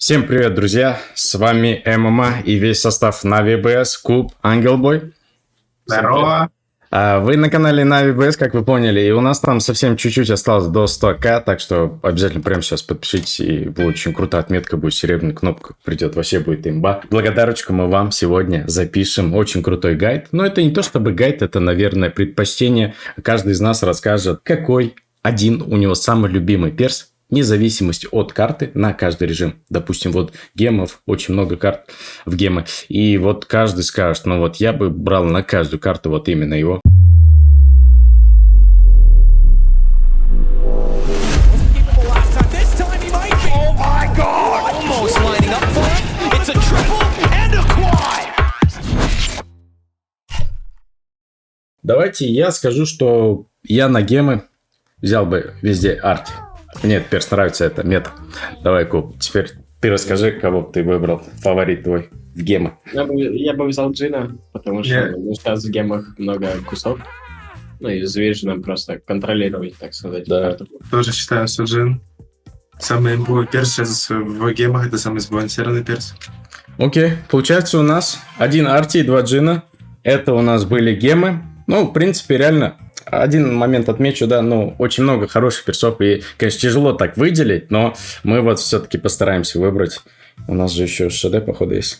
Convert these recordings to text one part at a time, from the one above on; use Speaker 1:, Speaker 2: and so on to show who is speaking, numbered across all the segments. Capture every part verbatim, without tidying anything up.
Speaker 1: Всем привет, друзья! С вами ММА и весь состав Na'Vi би эс, Куб, Ангелбой.
Speaker 2: Здорово!
Speaker 1: Вы на канале Na'Vi би эс, как вы поняли, и у нас там совсем чуть-чуть осталось до сто тысяч, так что обязательно прямо сейчас подпишитесь, и очень крутая отметка будет, серебряная кнопка придет, вообще будет имба. Благодарочку мы вам сегодня запишем, очень крутой гайд, но это не то чтобы гайд, это, наверное, предпочтение. Каждый из нас расскажет, какой один у него самый любимый перс, вне зависимости от карты на каждый режим. Допустим, вот гемов, очень много карт в гемы. И вот каждый скажет, ну вот я бы брал на каждую карту вот именно его. Давайте я скажу, что я на гемы взял бы везде арти. Мне перс нравится, это мета. Давай, Куб, теперь ты расскажи, кого бы ты выбрал, фаворит твой в гемы.
Speaker 2: Я бы, я бы взял Джина, потому что
Speaker 3: Yeah.
Speaker 2: ну, сейчас в гемах много кусок. Ну и с Виженом просто контролировать, так сказать,
Speaker 1: Да.
Speaker 2: карту.
Speaker 3: Тоже считаю, что Джин самый имбовый перс сейчас в гемах, это самый сбалансированный перс.
Speaker 1: Окей, получается у нас один арти и два джина. Это у нас были гемы. Ну, в принципе, реально, один момент отмечу, да, ну, очень много хороших персов. И, конечно, тяжело так выделить, но мы вот все-таки постараемся выбрать. У нас же еще ШД, походу, есть.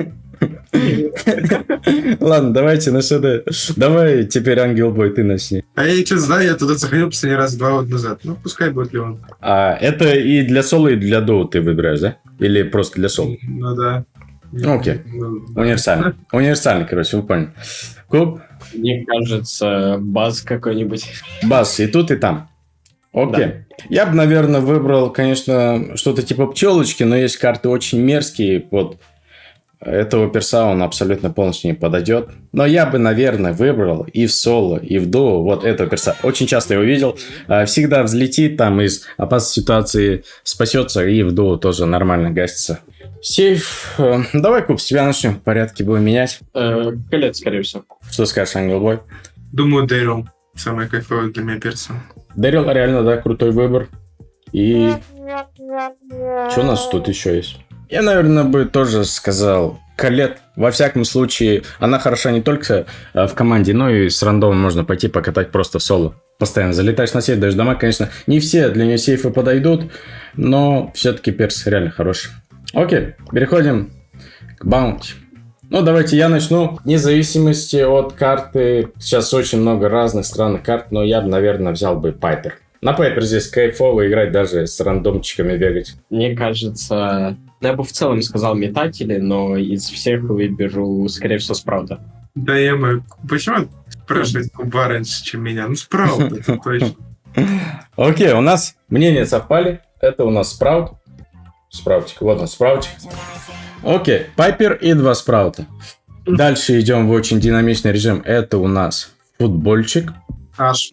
Speaker 1: Ладно, давайте на ШД. Давай теперь, Ангелбой, ты начни.
Speaker 3: А я что знаю, я туда заходил последний раз два года назад. Ну, пускай будет Леон.
Speaker 1: А это и для соло, и для доу ты выбираешь, да? Или просто для соло?
Speaker 3: Ну да.
Speaker 1: Окей.
Speaker 3: Ну, да.
Speaker 1: Универсальный. Универсальный, короче, вы поняли. Куб,
Speaker 2: Мне кажется, баз какой-нибудь.
Speaker 1: бас и тут, и там. Окей. Я бы, наверное, выбрал, конечно, что-то типа пчелочки, но есть карты очень мерзкие. Вот этого перса он абсолютно полностью не подойдет. Но я бы, наверное, выбрал и в соло, и в дуо вот этого перса. Очень часто его видел. А, Всегда взлетит, там из опасной ситуации спасется, и в дуо тоже нормально гасится. Сейф. Э, Давай, Куб, с тебя начнем. В порядке будем менять.
Speaker 2: Э, Колет, скорее всего.
Speaker 1: Что скажешь, Ангелбой?
Speaker 3: Думаю, Дэрил самый кайфовый для меня перс.
Speaker 1: Дэрил реально, да, крутой выбор. И что у нас тут еще есть? Я, наверное, бы тоже сказал Колет. Во всяком случае, она хороша не только э, в команде, но и с рандомом можно пойти покатать просто в соло. Постоянно залетаешь на сейф, даешь дома. Конечно, не все для нее сейфы подойдут, но все-таки перс реально хороший. Окей, переходим к баунти. Ну, давайте я начну. Вне зависимости от карты, сейчас очень много разных странных карт, но я бы, наверное, взял бы Пайпер. На Пайпер здесь кайфово играть, даже с рандомчиками бегать.
Speaker 2: Мне кажется, ну, я бы в целом сказал метатели, но из всех выберу, скорее всего, Спраута.
Speaker 3: Да, я бы... Почему спрашивать Куба раньше, чем меня? Ну, справа, это точно.
Speaker 1: Окей, у нас мнения совпали. Это у нас Спраут. Спраутик, вот он, Спраутик. Окей, Пайпер и два Спраута. Дальше идем в очень динамичный режим. Это у нас футбольчик.
Speaker 3: Аж.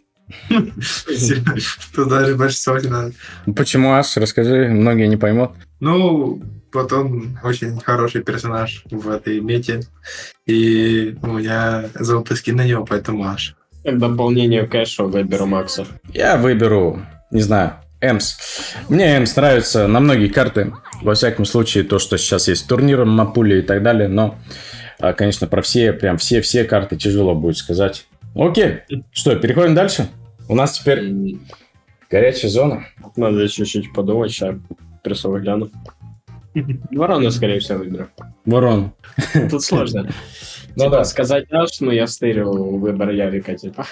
Speaker 3: Туда же больше слова не надо.
Speaker 1: Почему аж? Расскажи, многие не поймут.
Speaker 3: Ну, вот он очень хороший персонаж в этой мете. И у меня золотой скин на него, поэтому аж.
Speaker 2: Как дополнение кэша выберу Макса.
Speaker 1: Я выберу, не знаю, Эмс. Мне Эмс нравится на многие карты. Во всяком случае, то, что сейчас есть турниры, мапули и так далее. Но, а, конечно, про все, прям все-все карты тяжело будет сказать. Окей, что, переходим дальше? У нас теперь
Speaker 2: М,
Speaker 1: горячая зона.
Speaker 2: Надо чуть-чуть подумать, сейчас персовый гляну. Ворона, скорее всего, выберу.
Speaker 1: Ворон.
Speaker 2: Тут сложно.
Speaker 1: Ну
Speaker 2: Типа,
Speaker 1: да.
Speaker 2: сказать аж, но я стырил выбор Ярика, типа.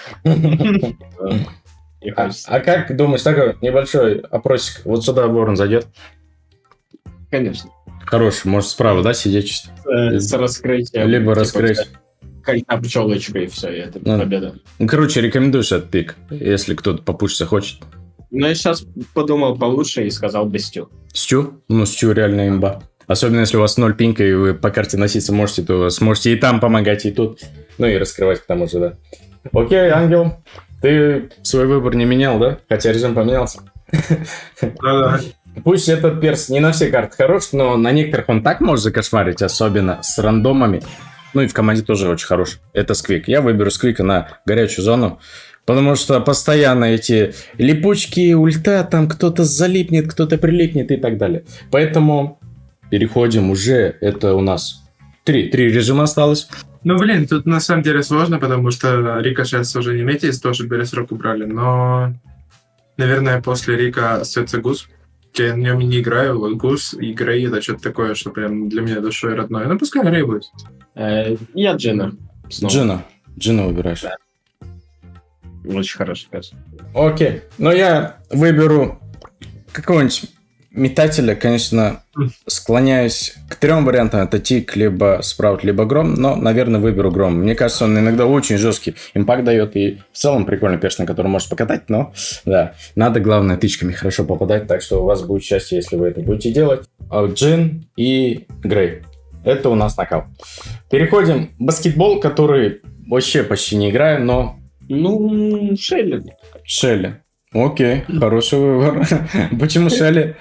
Speaker 2: Не
Speaker 1: А,
Speaker 2: хочется.
Speaker 1: а как думаешь, такой небольшой опросик, вот сюда ворон зайдет?
Speaker 2: Конечно.
Speaker 1: Хороший, может справа, да, сидеть чисто?
Speaker 2: Э, С раскрытием.
Speaker 1: Либо
Speaker 2: типа,
Speaker 1: раскрыть.
Speaker 2: Кольца пчелочка и все, и это
Speaker 1: Ну.
Speaker 2: победа.
Speaker 1: Ну, короче, рекомендуешь этот пик, если кто-то попушиться хочет.
Speaker 2: Но я сейчас подумал получше и сказал Бестю.
Speaker 1: Стю? Ну, Стю реально имба. Особенно, если у вас ноль пинка, и вы по карте носиться можете, то сможете и там помогать, и тут. Ну, и раскрывать к тому же, да. Окей, Ангел, ты свой выбор не менял, да? Хотя режим поменялся.
Speaker 3: Да-да.
Speaker 1: Пусть этот перс не на все карты хорош, но на некоторых он так может закошмарить, особенно с рандомами. Ну и в команде тоже очень хорош. Это Сквик. Я выберу Сквика на горячую зону. Потому что постоянно эти липучки, ульта, там кто-то залипнет, кто-то прилипнет и так далее. Поэтому переходим уже, это у нас три, три режима осталось.
Speaker 3: Ну, блин, тут на самом деле сложно, потому что Рика сейчас уже не метис, тоже Бересрок убрали, но, наверное, после Рика остается Гус. Я на нем не играю, вот Гус и Грей — это что-то такое, что прям для меня душой родное. Ну, пускай Грей будет.
Speaker 2: Э, я Джина. Снова.
Speaker 1: Джина. Джина выбираешь.
Speaker 2: Да. Очень хороший пес.
Speaker 1: Окей. Но я выберу какого-нибудь метателя, конечно, склоняюсь к трем вариантам. Это Тик, либо Спраут, либо Гром. Но, наверное, выберу Гром. Мне кажется, он иногда очень жесткий импакт дает. И в целом прикольный перс, на который можешь покатать. Но, да, надо, главное, тычками хорошо попадать. Так что у вас будет счастье, если вы это будете делать. Джин и Грей. Это у нас нокаут. Переходим в баскетбол, который вообще почти не играю, но...
Speaker 2: Ну, Шелли.
Speaker 1: Шелли. Окей, хороший выбор. Почему Шелли?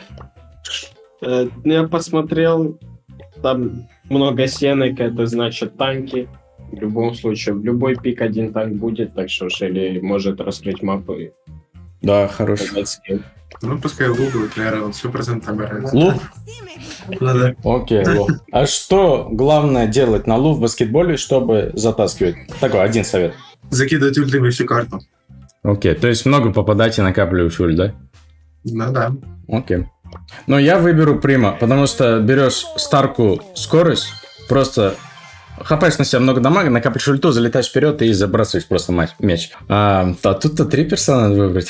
Speaker 2: Э, я посмотрел, там много сенок, это значит танки. В любом случае, в любой пик один танк будет, так что Шелли может раскрыть мапу и
Speaker 1: Да, хороший.
Speaker 2: показать скилл.
Speaker 3: Ну, пускай Лу будет, наверное, он сто процентов набирается.
Speaker 1: Лув?
Speaker 3: Ну, да.
Speaker 1: Окей, лув. А что главное делать на лув в баскетболе, чтобы затаскивать? Такой один совет.
Speaker 3: Закидывать ультами всю карту.
Speaker 1: Окей, то есть много попадать и накапливаешь ульт, да?
Speaker 3: Ну, да.
Speaker 1: Окей. Но я выберу Прима, потому что берешь старку скорость, просто хапаешь на себя много дамага, накапливаешь ульту, залетаешь вперед и забрасываешь просто мяч. А, а тут-то три персона надо выбрать.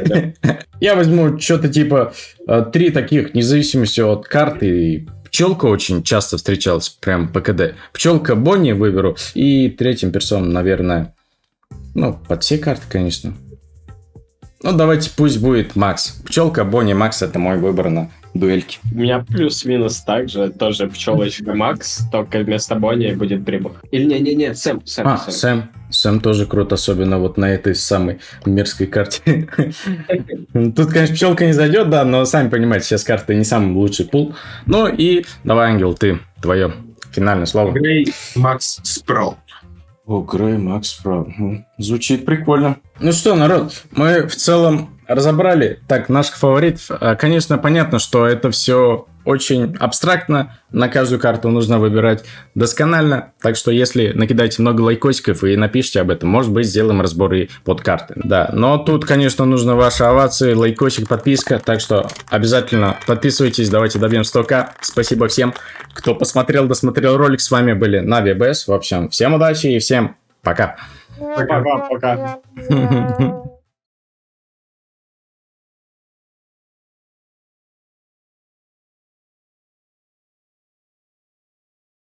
Speaker 1: Я возьму что-то типа три таких, вне зависимости от карты. Пчелка очень часто встречалась, прям по КД. Пчелка Бонни выберу. И третьим персоном, наверное, ну, под все карты, конечно. Ну, давайте пусть будет Макс. Пчелка, Бонни, Макс — это мой выбор на дуэльке.
Speaker 2: У меня плюс-минус так же, тоже пчелочка Макс, только вместо Бонни будет Прибух. Или не-не-не, Сэм, Сэм,
Speaker 1: А,
Speaker 2: Сэм.
Speaker 1: Сэм. Сэм тоже крут, особенно вот на этой самой мерзкой карте. Тут, конечно, пчелка не зайдет, да, но сами понимаете, сейчас карта не самый лучший пул. Ну и давай, Ангел, ты, твое финальное слово.
Speaker 3: Грей, Макс, Спраут.
Speaker 1: О, Грей, Макс, прав. Звучит прикольно. Ну что, народ, мы в целом разобрали так наших фаворитов. Конечно, понятно, что это все очень абстрактно. На каждую карту нужно выбирать досконально. Так что, если накидаете много лайкосиков и напишите об этом, может быть, сделаем разбор и под карты. Да, но тут, конечно, нужно ваши овации, лайкосик, подписка. Так что обязательно подписывайтесь, давайте добьем сто тысяч. Спасибо всем, кто посмотрел, досмотрел ролик. С вами были Нави БС. В общем, всем удачи и всем пока.
Speaker 2: Пока-пока.